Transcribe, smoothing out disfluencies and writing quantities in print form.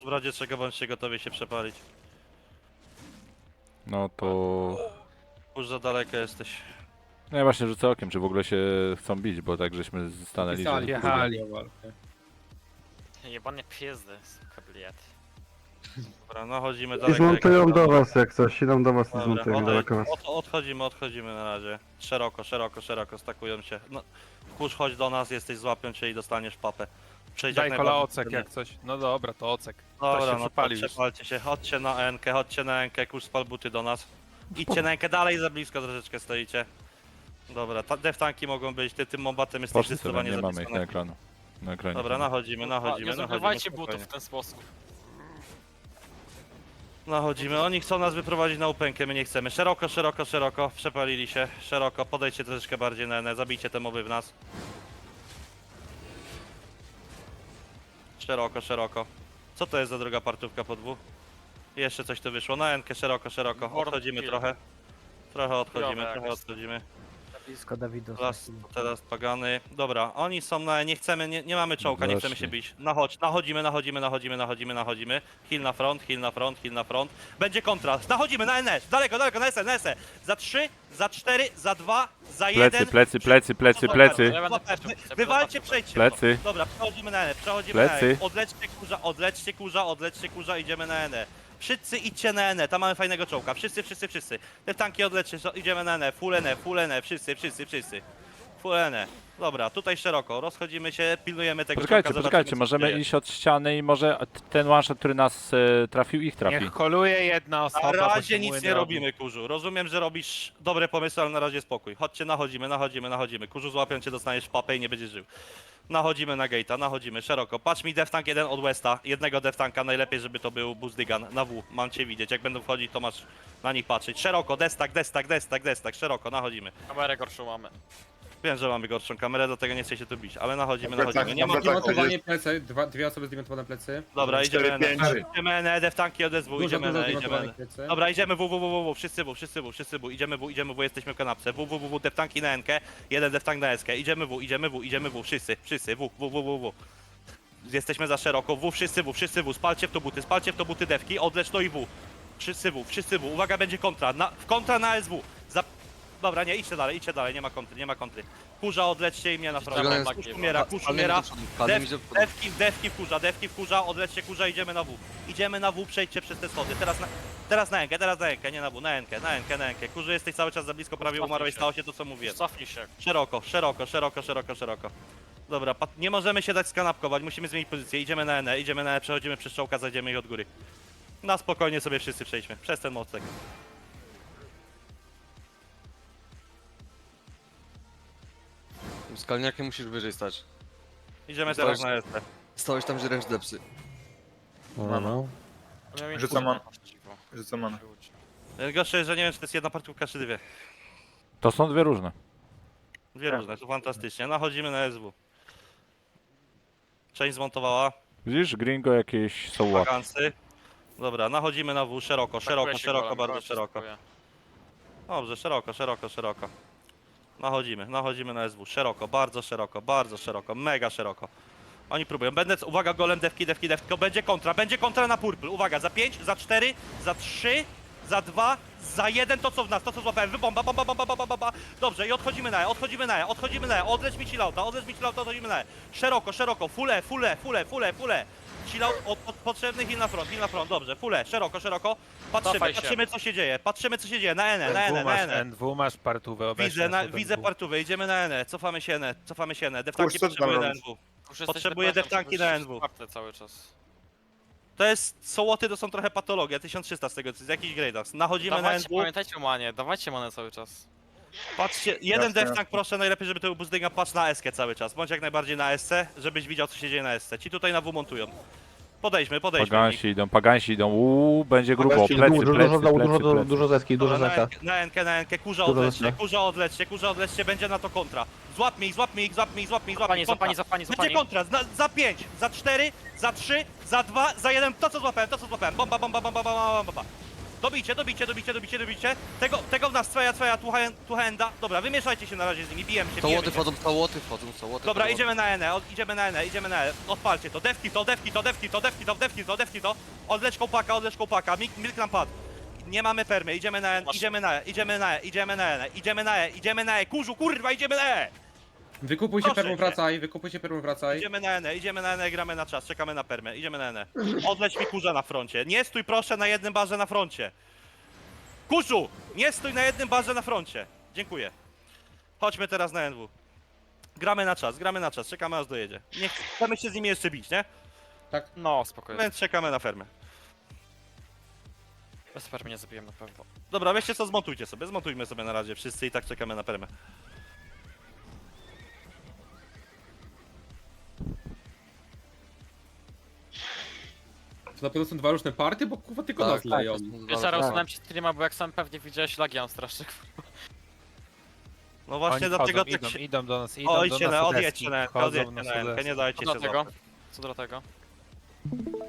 W razie czego bądźcie gotowi się przepalić. No to... Już za daleko jesteś. No ja właśnie rzucę okiem, czy w ogóle się chcą bić, bo tak żeśmy stanęli, że... Jechali. Jebane pizdy, suka, bliet. Dobra, no chodzimy I daleko. zmontują jak- do was jak coś, idą do was i Dobra, zmontują daleko was. odchodzimy na razie. Szeroko, stakują się. No, kurz, chodź do nas, jesteś, złapią cię i dostaniesz papę. Przejdź jak Daj kola najbardziej ocek wtedy. jak coś. No dobra, to ocek. Dobra, Ktoś się no to przepalił już. przepalcie się, chodźcie na enkę, kurz, spal buty do nas. Idźcie na enkę, dalej za blisko troszeczkę stoicie. Dobra, deftanki mogą być, ty tym mombatem jesteś Poszli sobie, zdecydowanie nie za mamy blisko ich na na ekranu. Na ekranie. Dobra, nachodzimy. Nie zużywajcie butów w ten sposób. Nachodzimy, oni chcą nas wyprowadzić na upękę, my nie chcemy. Szeroko, przepalili się. Szeroko, podejdźcie troszeczkę bardziej na N, zabijcie te moby w nas. Szeroko. Co to jest za druga partówka po dwóch? Jeszcze coś tu wyszło, na N-kę, szeroko. Odchodzimy trochę. Trochę odchodzimy. Blisko Dawidu. Teraz pagany. Dobra, oni są na... Nie chcemy, nie mamy czołka, nie chcemy się bić. Nachodzimy. Heal na front. Będzie kontra. Nachodzimy na NS. Daleko, na SE. Za 3, za 4, za 2, za 1. Plecy. Ja będę Wywalcie, przejdźcie. Plecy. Dobra, przechodzimy na N. Plecy. Odlećcie kurza, idziemy na N. Wszyscy idźcie na N, tam mamy fajnego czołka. Wszyscy. Te tanki odlećcie, idziemy na N. Full N, wszyscy. Full N. Dobra, tutaj szeroko, rozchodzimy się, pilnujemy tego czołka, zobaczymy, Poczekajcie, co możemy się dzieje. iść od ściany i może ten one shot, który nas trafił, ich trafi. Niech koluje jedna osoba, Na bo razie się nic młyn nie robi. robimy, kurzu. Rozumiem, że robisz dobre pomysły, ale na razie spokój. Chodźcie, nachodzimy. Kurzu, złapią cię, dostaniesz w papę i nie będziesz żył. Nachodzimy na gate'a, nachodzimy szeroko. Patrz mi deftank jeden od Westa, jednego deftanka, najlepiej żeby to był Buzdygan na W. Mam cię widzieć, jak będą wchodzić to masz na nich patrzeć. Szeroko, destak, szeroko, nachodzimy. kamerę gorszą mamy. Wiem, że mamy gorszą kamerę, dlatego nie chcę się tu bić, ale nachodzimy. Nie ma... Zdemontowanie plecy, dwie osoby zdemontowane plecy. Dobra, idziemy na deftanki od SW, Dużo idziemy na. zdemontowanych plecy. Dobra, idziemy wszyscy W, idziemy W, jesteśmy w kanapce. W, deftanki na NK, jeden deftank na SK, idziemy W, wszyscy, W. Jesteśmy za szeroko, wszyscy W, spalcie w to buty defki, odlecz to i W. Wszyscy W, uwaga, będzie kontra, kontra na SW. Dobra, nie, idźcie dalej, nie ma kontry. Kurza, odlećcie i mnie na front. Kurz umiera. Defki wkurza, odlećcie kurza, idziemy na W, przejdźcie przez te schody. Teraz na Enkę, nie na W, na Enkę. Kurzu, jesteś cały czas za blisko, prawie umarłeś, stało się to co mówiłem. Cofnij się. Szeroko. Dobra, nie możemy się dać skanapkować, musimy zmienić pozycję, idziemy na N, przechodzimy przez czołka, zajdziemy ich od góry. Na spokojnie sobie wszyscy przejdźmy, przez ten mostek. Skalniakiem musisz wyżej stać. Idziemy teraz na ST. Stałeś tam, że ręcz depsy. Rzucam man. Gorsze jest, że nie wiem, czy to jest jedna partówka, czy dwie. To są dwie różne. Dwie różne, to fantastycznie. Nachodzimy na SW. Część zmontowała, Widzisz, gringo jakieś są łap. wakansy. Dobra, nachodzimy na W, szeroko, bardzo szeroko. Dobrze, szeroko. Nachodzimy na SW, szeroko, bardzo szeroko, mega szeroko. Oni próbują, uwaga, golem, defki, tylko będzie kontra na purple, uwaga, za 5, za 4, za 3, za 2, za 1, to co w nas, to co złapałem, wybomba, bomba. Dobrze, i odchodzimy na E, odleć mi chillauta, odchodzimy na E. Szeroko, full. Chillout, potrzebny heal na front, dobrze, full, szeroko. Patrzymy co się dzieje, na N. NW masz partówę obecnie. Widzę partówę, idziemy na N, cofamy się N, deftanki potrzebuje na NW. Potrzebuję deftanki na NW. Cały czas. To jest, sołoty to są trochę patologia, 1300 z tego, z jakichś grade'ach. Nachodzimy na Dawajcie, NW, pamiętajcie o manie, dawajcie manę cały czas. patrzcie, jeden deftank proszę, najlepiej żeby to był Buzdyga, patrz na SK cały czas, bądź jak najbardziej na SC, żebyś widział co się dzieje na SC. Ci tutaj na W montują. Podejdźmy. Pagansi idą, będzie grubo, Dużo zeski, dużo zeka. Na NK, kurza odlećcie, będzie na to kontra. Złap mi ich. Złapani. Będzie kontra, za 5, za 4, za 3, za 2, za 1, to co złapałem, bomba. Dobijcie. Tego w nas, twoja, tu henda. Dobra, wymieszajcie się na razie z nimi, bijemy się. To łoty wchodzą, to łoty wchodzą, to łoty. Dobra, wchodzą. idziemy na N, idziemy na N. Odpalcie to, defki to. Odlecz kołpaka, milk nam padł. Nie mamy permy, idziemy na N, idziemy na E. Kurzu, kurwa, idziemy na E. Wykupujcie Proszę permą, wracaj. Idziemy na N, gramy na czas, czekamy na permę, idziemy na N. Odleć mi kurza na froncie. Nie stój proszę na jednym barze na froncie. Kurzu, nie stój na jednym barze na froncie. Dziękuję. Chodźmy teraz na NW. Gramy na czas, czekamy aż dojedzie. Nie chcemy się z nimi jeszcze bić, nie? No, spokojnie. Więc czekamy na fermę. Bez permy nie zabiłem na pewno. Dobra, weźcie co, zmontujmy sobie na razie wszyscy i tak czekamy na permę. To na pewno są dwa różne party, bo kurwa tylko nas Tak, leją. Wiesz, zaraz usunąłem ci streama, bo jak sam pewnie widziałeś, lagi mam strasznie. No właśnie Oni dlatego wchodzą, tak się... idą do nas, Odjedźcie na deski, odjedźcie na wchodzą N, na nie dajcie Co się do tego? złapać. Co do tego?